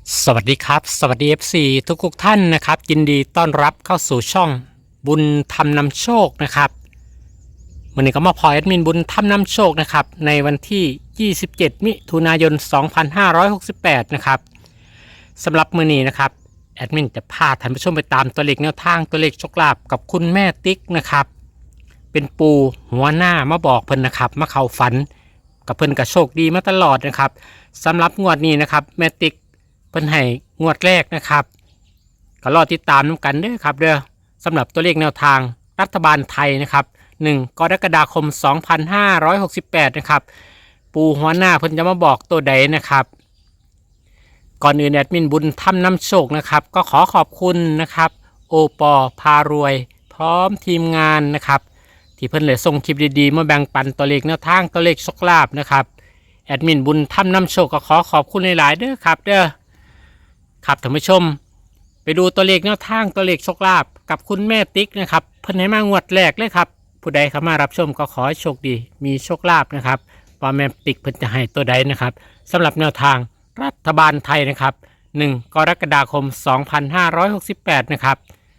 สวัสดีครับสวัสดี FC ทุกท่านนะครับยินดีต้อนรับเข้าสู่ช่องบุญธรรมนำโชคนะครับวันนี้ก็มาพอแอดมินบุญธรรมนำโชคนะครับในวันที่ 27 มิถุนายน 2568 นะครับสำหรับมื้อนี้นะครับแอดมินจะพาท่านผู้ชมไปตามตัวเลขแนวทางตัวเลขโชคลาภกับคุณแม่ติ๊กนะครับเป็นปูหัวหน้ามาบอกเพิ่นนะครับมาเข้าฝันกับเพิ่นก็โชคดีมาตลอดนะครับสำหรับงวดนี้นะครับแม่ติ๊กเพิ่นให้งวดแรกนะครับก็รอติดตามน้ำกันเด้อครับเด้อสำหรับตัวเลขแนวทางรัฐบาลไทยนะครับ1 กรกฎาคม 2568 นะครับปูหัวหน้าเพิ่นจะมาบอกตัวใดนะครับก่อนอื่นแอดมินบุญทำน้ำโชคนะครับก็ขอขอบคุณนะครับโอปอพารวยพร้อมทีมงานนะครับที่เพิ่นเลยส่งคลิปดีๆมาแบ่งปันตัวเลขแนวทางตัวเลขโชคลาภนะครับแอดมินบุญทำน้ำโชคก็ขอขอบคุณหลายๆเด้อครับเด้อครับท่านผู้ชมไปดูตัวเลขแนวทางตัวเลขโชคลาภกับคุณแม่ติ๊กนะครับเพิ่นให้มางวดแรกเลยครับผู้ใดเข้ามารับชมก็ขอให้โชคดีมีโชคลาภนะครับว่าแม่ติ๊กเพิ่นจะให้ตัวใดนะครับสำหรับแนวทางรัฐบาลไทยนะครับ1 กรกฎาคม 2568 นะครับ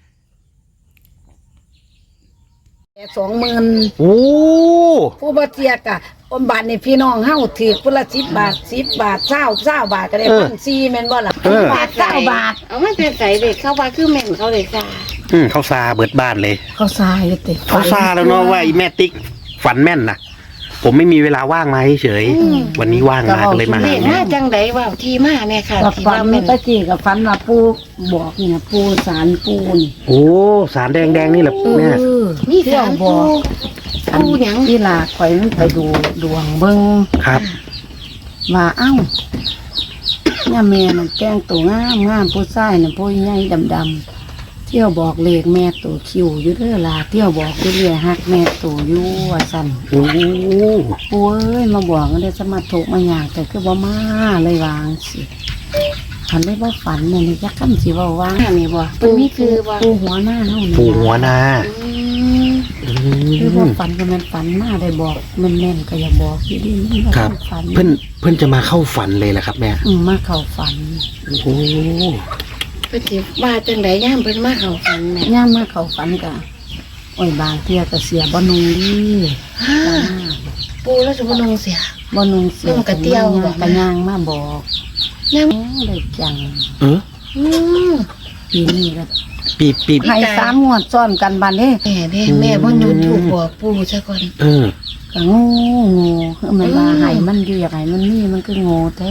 20,000 โอ้ผู้บ่เจียกะอมบาทนี่พี่น้องเฮาถือคนละ10 บาท10 บาท20บาทก็ได้1,400แม่นบ่ล่ะ10 บาท9 บาทเอามาแต่ใส่เด็กเข้าว่าคือแม่นเขาเลยจ้าเขาซาเบิดบ้านเลยเขาซายเลยติเขาซาแล้วเนาะว่าไอ้แม่ติ๊กฝันแม่นนะผมไม่มีเวลาว่างมาเฉยวันนี้ว่างมาก็เลยมาเด็กหามาแม่จังไดว่าที่มาเนี่ยค่ะกับที่ฝันว่าแม่นตะกี้กับฝันว่าปู่บอกเนี่ยปู่สารปู่นี่โอ้สารแดงนี่แหละแม่มีเที่ยสาว รบอปูกหยังที่ลาข่อยมันไปดูดวงเบิ่งครับว่าเอ้าเนี่ยแม่มันแต่งตัวงามผู้ชายน่ะผู้ใหญ่ดำๆเที่ยวบอกเลขแม่ตัวคิวอยู่เด้อล่ะเที่ยวบอกอยู่เรื่อยฮักแม่ตัวอยู่ว่าซั่นโอ้โอ้ยมาบอกกันได้สมาถูกมาอยากแต่คือบ่มาเลยวางสิฝันได้บ่ฝันเนี่ยนี่จักคำสิว่าว่างอันนี้บ่ปูนี่คือว่าปูหัวหน้าเฮานี่ปู่หัวนาอืมคือบ่ฝันก็มันฝันมาได้บอกแม่นๆก็อย่าบอกอยู่ดีมันบ่ครับฝันเพื่อนจะมาเข้าฝันเลยแหละครับแม่มาเข้าฝันโอ้เพิ่นสิว่าจังไดย่ามเพิ่นมาเข้าฝันแม่ย่ามมาเข้าฝันก็โอ้ยบางเที่ยก็เสียบ่นุ่งดีฮ่าปูแล้วสิบ่นงเสียบ่นุ่งเสียนุ่งกระเตี้ยวบอกกระย่างมาบอกยังโอ้ได้จังเอออืมปีนี้ก็ปีให้3 งวดซ้อนกันบัดนี้แม่เด้แม่บ่หยุดถูกบอกปูซะก่อนเออก็โง่คือมันว่าให้มันอยู่อยากให้มันมีมันก็โง่แท้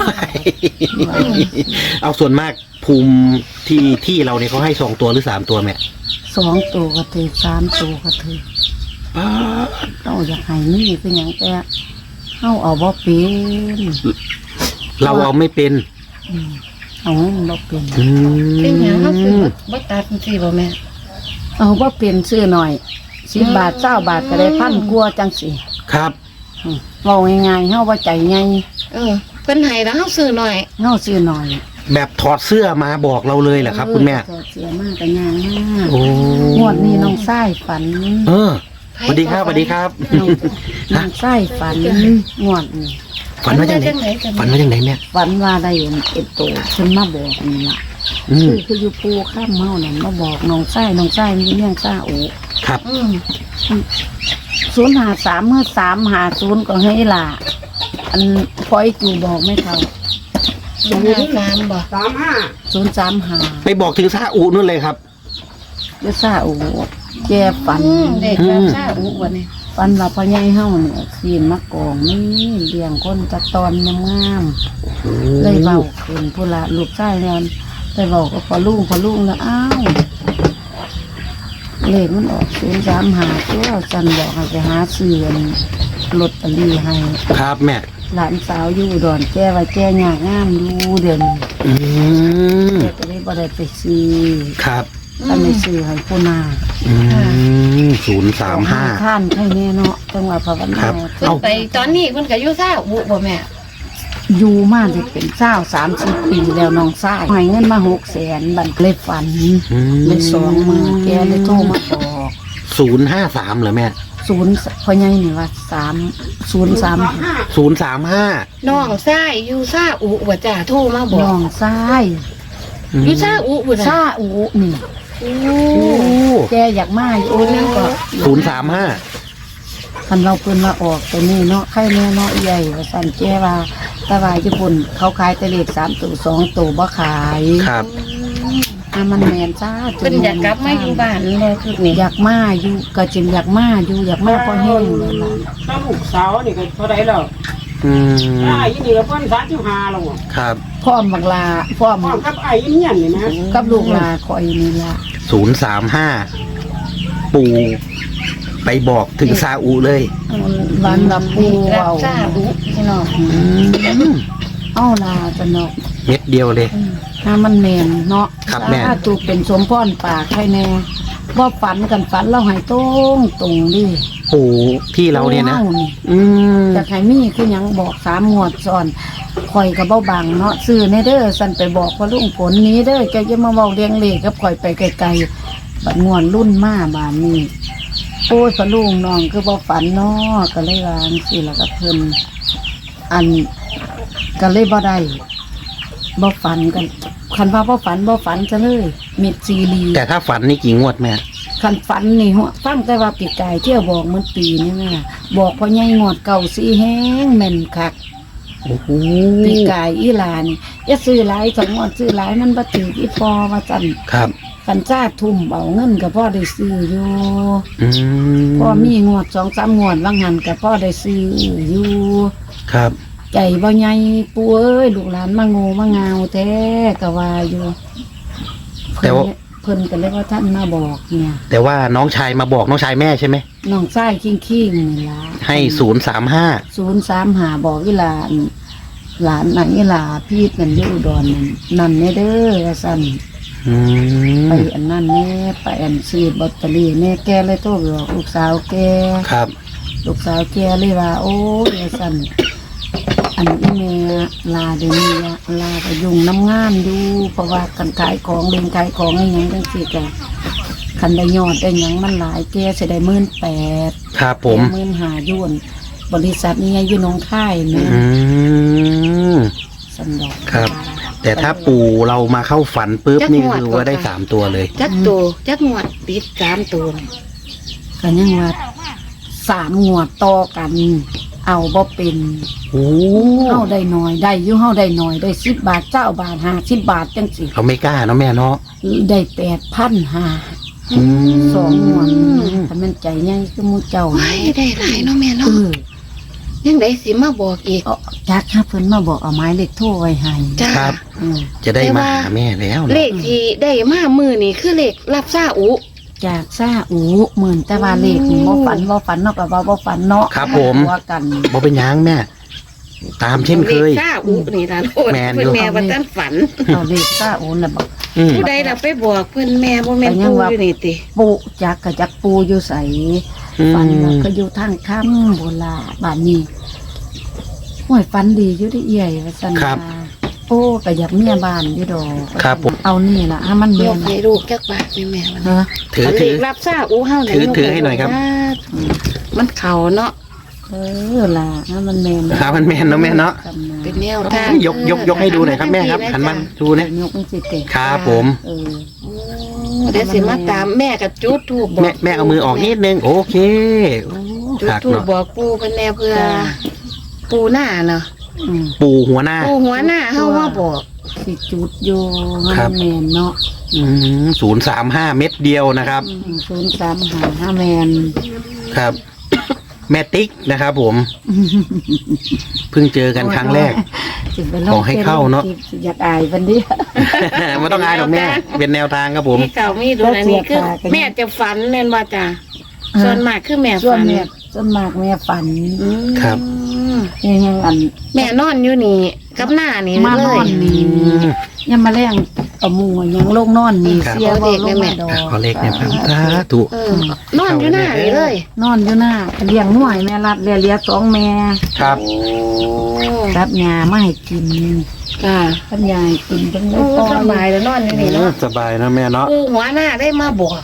เอาส่วนมากภูมิที่เราเนี่ยเขาให้2 ตัวหรือ3 ตัวแม่ 2 ตัวก็ถือ3 ตัวก็ถือเราอยากให้มีเป็นอย่างแต่เฮาเอาบ่เป็นเราเอาไม่เป็นเอาเงินบ่เป็นเป็นหยังเฮาคือบ่ตัดจังซี่บ่แม่เอาบ่เป็นซื้อหน่อย10 บาท20 บาทก็ได้พันกว่าจังสิครับเว้าง่ายๆเฮาบ่ใจใหญ่เพิ่นให้แล้วเฮาซื้อหน่อยเฮาซื้อหน่อยแบบถอดเสื้อมาบอกเราเลยเหรอครับ คุณแม่เสียมากก็ย่างมากโอ้งวดนี้น้องชายฝันเออสวัสดีครับสวัสดีครับน้องชายฝันงวดนี้ฝันว่าจังไหนกันฝันว่าจังไหนแม่ฝันว่าได้เป็นโตขึ้นมาบอกนี่ล่ะอืมคืออยู่ปูข้ามเมาเนี่ยมาบอกน้องไส้มีเรื่องซ่าโอครับ 053เมื่อ350ก็ให้ล่ะอันพอยจูบอกไม่เท่า 3บ่ 035 ไปบอกถึงซาอุนู่นเลยครับเรื่องซ่าโอแกฝันเด็กแบบซ่าอุวันนี้ฝันว่าพ่อใหญ่เฮาเนี่ยขีนมากองนี่เลี้ยงคนจักตอนงามๆเลยเว้าขึ้นพุ่นละลูกชายแล้วไปเว้าก็พอลุงแล้วอ้าวเลขมันออก035ตัวจันบอกให้ไปหาซื้อลอตเตอรี่ให้ครับแม่หลานสาวอยู่อุดอนแก้ว่าแก้ยากงามอยู่เด่นอืมแก้ก็เลยบ่ได้ไปซื้อครับถ้าไม่ซื้อให้ผู้นา 035 ท่านให้แน่เนาะจังหวะภาวนาครับเพิ่นไปตอนนี้เพิ่นก็อยู่ซ่าอุบ่แม่อยู่มาได้เป็น30 ปีแล้วน้องชายให้เงินมา600,000บัดเลยฝันเลย2 มื้อแกเลยโทรมาบอก 053เหรอแม่ศูนย์พ่อใหญ่นี่ว่า3 035 น้องชายอยู่ซาอุบ่จ้าโทรมาบอน้กองซ้ายอยู่ซาอุบ่ซาจ้าอูนี่โอ้โอ้แกอยากมาอยู่นั่นก็ 035 คันเราเพิ่นมาออกตัวนี้เนาะไข่แม่เนาะใหญ่ว่าสั่นแกว่าแต่ว่าญี่ปุ่นเขาขายแต่เลข3ตัว2ตัวบ่ขายครับมันแม่นจ้าเพิ่นอยากกลับมาอยู่บ้านแล้วคือนี่อยากมาอยู่ก็จึงอยากมาอยู่อยากมาพอแห้งเลยล่ะถ้าลูกสาวนี่ก็เท่าไรแล้วอืมไอ้นี่ก็เพิ่น35แล้วครับพร้อมบักลาพร้อมพร้อมกับไอ้เนี่ยนี่นะกับลูกลาคอยนี่ล่ะ 035 ปู่ไปบอกถึงซาอุเลยวันละปูรับเว้าซาอุพี่น้องเอาลาจะเนาะเม็ดเดียวเลยถ้ามันแม่นเนาะครับแม่ถ้าถูกเป็นสมพรปากให้แน่บ่ฝันกันฝันเราให้ตรงดิปู่ที่เราเนี่ยนะปู่ฮานี่อืมจากไห้มีคือหยังบอก3 งวดซ้อนข่อยก็เบ้าบังเนาะซื้อในเด้อสั่นไปบอกว่าลุงผลนี้เด้อแกจะมาเว้าเลี้ยงเลขกับข่อยไปไกลๆบัดงวนรุ่นมาบานนี้โอ้ยพะลุงน้องคือบ่ฝันเนาะก็เลยวาจังซี่ล่ะกับเพิ่นอันก็เลยบ่ได้บ่ฝันกันคันว่าบ่ฝันซะเลยมิดซีรีแต่ถ้าฝันนี่กี่งวดแม่คันฝันนี่หัวฟังแต่ว่าปีกายเที่ยวบอกมันปีนี่แม่บอกพ่อใหญ่งวดเก่าสีแห้งแม่นคักโอ้โหปีกายอีหลานี่อย่าซื้อหลาย2 งวดซื้อหลายมันบ่ถืออีพอว่าซั่นครับกันจ้าทุ่มเอาเงินก็พอได้ซื้ออยู่อืมพอมีงวด2-3 งวดว่างหันก็พอได้ซื้ออยู่ครับใจบ่ใหญ่ปู่เอ้ยลูกหลานมาโง่มางาวแท้ก็ว่าอยู่แต่ว่าเพิ่นก็เลยว่าท่านมาบอกเนี่ยแต่ว่าน้องชายมาบอกน้องชายแม่ใช่ไหมน้องชายคิงๆนี่ล่ะให้035 035บอกอีหลานหลานนั่นอีหลาพี่นั่นอยู่อุดรนั่นแน่เด้อว่าซั่นอืไปมอันนั้นแน่ไปอันซื้อลอตเตอรี่แน่แกเลยโทรไปบอกลูกสาวแกครับลูกสาวแกเลยว่าโอ้ยว่าซั่นอันอีแม่ลาเดี๋ยวนี้ละลาก็ยุ่งน้ำงานอยู่เพราะว่ากันขายของเล่นขายของอะไรหยังจังซี่ก็คันได้ยอดได้หยังมันหลายแกสิได้18,000 ครับผม 15,000ยุ่นบริษัทนี้อยู่หนองคายแม่อืมสันดอกครับ แต่ถ้าปู่เรามาเข้าฝันปุ๊บนี่คือว่าได้3 ตัวเลยจักตัวจักงวดติด3ตัวก็ยังว่า3 งวดต่อกัน เอาบ่เป็นโอ้เฮาได้น้อยได้อยู่เฮาได้น้อยได้10 บาท9 บาท50 บาทจังสิเขาไม่กล้าเนาะแม่เนาะได้8,500 อืม 2 งวดถ้ามันใจใหญ่คือหมู่เจ้าไว้ได้หลายเนาะแม่เอเนาะอยังได้สิมาบอกอีกเอาจักหาเพิ่นมาบอกเอาไม้เลขโทรไว้ให้จ้าครับเออจะได้มาหาแม่แล้วเลเนาะขที่ได้มามือนี่คือเลขรับซาอุจากซาอูหมื่นแต่ว่าเลขนี่บ่ฝันเนาะก็ว่าบ่ฝันเนาะครับผมว่ากันบ่เป็นหยังแม่ ตามเช่นเคยลขซาอุนี่ล่ะโอ้ยแม่นอยู่เพิ่นแม่ว่าท่านฝันเอาเลขซาอูน่ะบอกอืมผู้ใดล่ะไปบอกเพิ่นแม่บ่แม่นปู่อยู่นี่ติปูจักกะจักปูอยู่ใสอืมฝันว่าก็อยู่ทางค่ำโบราณบ้านนี้ห้วยฝันดีอยู่ได้เอี่ยว่าซั่นว่าโอ้ก็อยากเมียบ้านอยู่ดอกครับผมเอานี่ล่ะให้มันยแม่กนให้ลูกจักบาทนี่แม่มันเนาะถือเลถือขรับซาอุเฮาเนี่ยถือให้หน่อยครับมันเข้าเนาะเออล่ะให้มันแม่นครับมันแม่นเนาะแม่เนาะเป็นแนวทางยกให้ดูหน่อยครับแม่ครับหันมาดูนะยกมันสิเตะครับผมเออโอ้เดี๋ยวสิมาตามแม่กับจุดทูบบอกแม่เอามือออกนิดนึงโอเคโอ้จุดคักทูบเนาะบอกปู่เพิ่นแน่เพื่อจ้าปู่หน้าเนาะอืมปู่หัวหน้าปู่หัวหน้าเฮามาบอกสิจุดอยู่ให้ครัมับนแม่นเนาะ 035 เม็ดเดียวนะครับ 035แม่นครับ แม่ติ๊กนะครับผม เพิ่งเจอกันครั้งแรกสิไปขอให้เข้าเนาะอยากอายวันนี้ไม่ต้องอายหรอกแม่ เป็นแนวทางครับผมมีเก่ามีดูอันนี้คือแล้วเสียขากันแม่จะฝันแม่นว่าจ้ะส่วนมากคือแม่ส่วฝันนแม่ส่วนมากแม่ฝันอืมครับยังอันแม่นอนอยู่นี่กับหน้านี่มาเลนอย นนี่ยังมาแรงเอาหมูยังลงนอนนี่ครับเสียบ่ลงมาดอกขอเลขเนี่ยครับสาธุเออนอนอยู่หน้านี่เลยนอนอยู่หน้าเลี้ยงหน่วยแม่รัดเลี้ยสองแม่ครับโอ้รับยามาให้กินค่ะรับยาให้กินจังเลโอ้ยปล่อสบายยแล้วนอนอยู่นี่เนาะสบายนะแม่เนาะปู่หัวหน้าได้มาบอก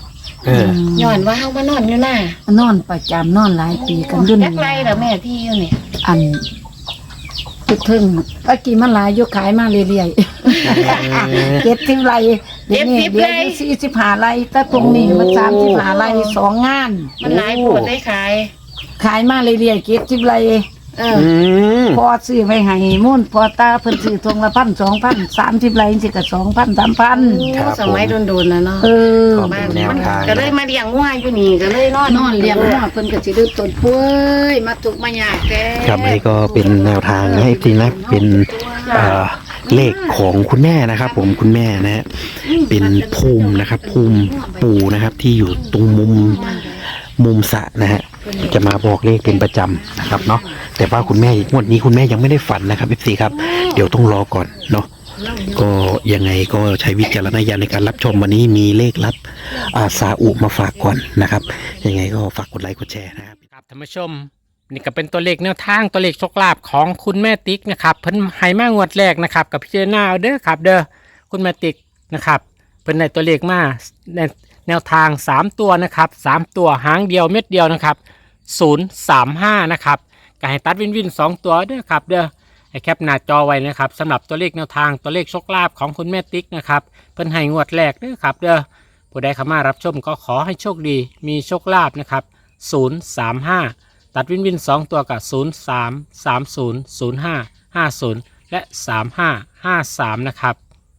เออย้อนว่าเฮามานอนอยู่หน้านอนประจำนอนหลายปีกันอยุ่นจักไรเหรอแม่ที่อยู่เนี่ยอันตึกทึ่งตะกี้มันหลายอยกขายมาเรื่อยๆเก็บทิ้งไรเดี๋ยวนี้เดี๋ยวนี้45 ไร่แต่ตรงนี้มัน35 ไร่2 งานมันหลายปวดได้ขายขายมาเรื่อยๆเก็บ10 ไร่เออพอซื้อไว้ให้มุ่นพอตาเพิ่นซื้อทงละ1,000 2,000 30 ไร่สิก็2,000 3,000 ครับสมัยโดนๆนะเนาะเออขอบบ้าคุนณแนวมันทางก็เลยมาเลี้ยงงัวอยู่นี่ก็เลยนอนนอนเลี้ยงหัวเพิ่นก็สิดื้อต้นป่วยมาทุกข์มายากแท้ครับอันนี้ก็เป็นแนวทางให้ทีนะเป็นเลขของคุณแม่นะครับ ผมคุณแม่นะฮะเป็นภูมินะครับ ภูมิปู่นะครับ ที่อยู่ตรงมุมสระนะฮะจะมาบอกเลขเป็นประจำนะครับเนาะแต่ว่าคุณแม่งวดนี้คุณแม่ยังไม่ได้ฝันนะครับพี่ซีครับเดี๋ยวต้องรอก่อนเนาะก็ยังไงก็ใช้วิจารณญาณในการรับชมวันนี้มีเลขลับซาอุมาฝากก่อนนะครับยังไงก็ฝากกดไลค์กดแชร์นะครับครับท่านผู้ชมนี่ก็เป็นตัวเลขแนวทางตัวเลขโชคลาภของคุณแม่ติ๊กนะครับเพิ่นให้มางวดแรกนะครับกับพิจารณาเอาเด้อครับเด้อคุณแม่ติ๊กนะครับเพิ่นได้ตัวเลขมาในแนวทาง3ตัวนะครับ3ตัวหางเดียวเม็ดเดียวนะครับ035นะครับก็ให้ตัดวิน2ตัวเด้อครับเด้อให้แคปหน้าจอไว้นะครับสำหรับตัวเลขแนวทางตัวเลขโชคลาภของคุณแม่ติ๊กนะครับเพิ่นให้งวดแรกเด้อครับเด้อผู้ใดเข้ามารับชมก็ขอให้โชคดีมีโชคลาภนะครับ035ตัดวิน2ตัวกับ03 30 05 50และ3553นะครับ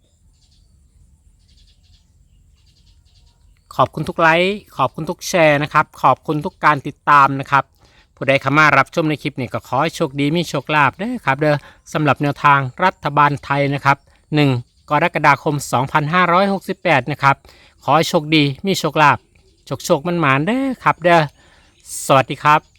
ขอบคุณทุกไลค์ขอบคุณทุกแชร์นะครับขอบคุณทุกการติดตามนะครับผู้ใดเข้ามารับชมในคลิปนี้ก็ขอให้โชคดีมีโชคลาภเด้อครับเด้อสำหรับแนวทางรัฐบาลไทยนะครับ1 กรกฎาคม 2568นะครับขอให้โชคดีมีโชคลาภโชคมันหมานเด้อครับเด้อสวัสดีครับ